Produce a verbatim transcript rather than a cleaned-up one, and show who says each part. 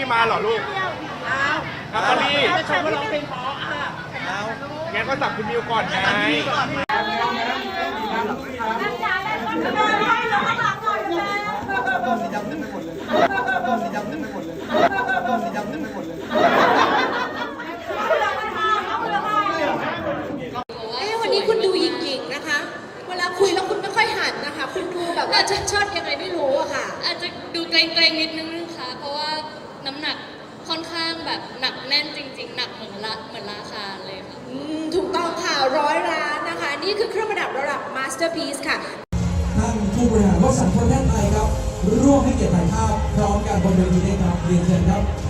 Speaker 1: มาเหรอลูก
Speaker 2: อ้าว
Speaker 1: ครับพอดี
Speaker 2: จะชมว่าร้องเพลงเพราะอ่ะเอา
Speaker 1: งั้นก็สับคุณมิวก่อนไง
Speaker 2: ก่อน
Speaker 3: ต้มสีดำเต็มไปหมดเลยต้มสีดำเต็มไปหมดเลยต้มสีดำเต็มไปหมดเลย
Speaker 4: เอ๊ะวันนี้คุณดูหยิงๆนะคะ เวลาคุยแล้วคุณไม่ค่อยหันนะคะ คุณดูแบบว่าเชิดๆยังไงไม่รู้อะค่ะ
Speaker 5: อาจจะดูเกรงๆนิดนึงนะคะ เพราะว่าน้ำหนักค่อนข้างแบบหนักแน่นจริงๆ หนักเหมือนละเหมือนราคาเลยค่ะ
Speaker 4: อืมถูกต้องค่ะร้อยล้านนะคะ นี่คือเครื่องประดับระดับ Masterpiece ค่ะ
Speaker 6: ท่านผู้บริหารวสันต์ประเทศไทยครับร่วมให้เกียรติถ่ายภาพพร้อมกันบนเวทีนี้ครับเรียนเชิญครับ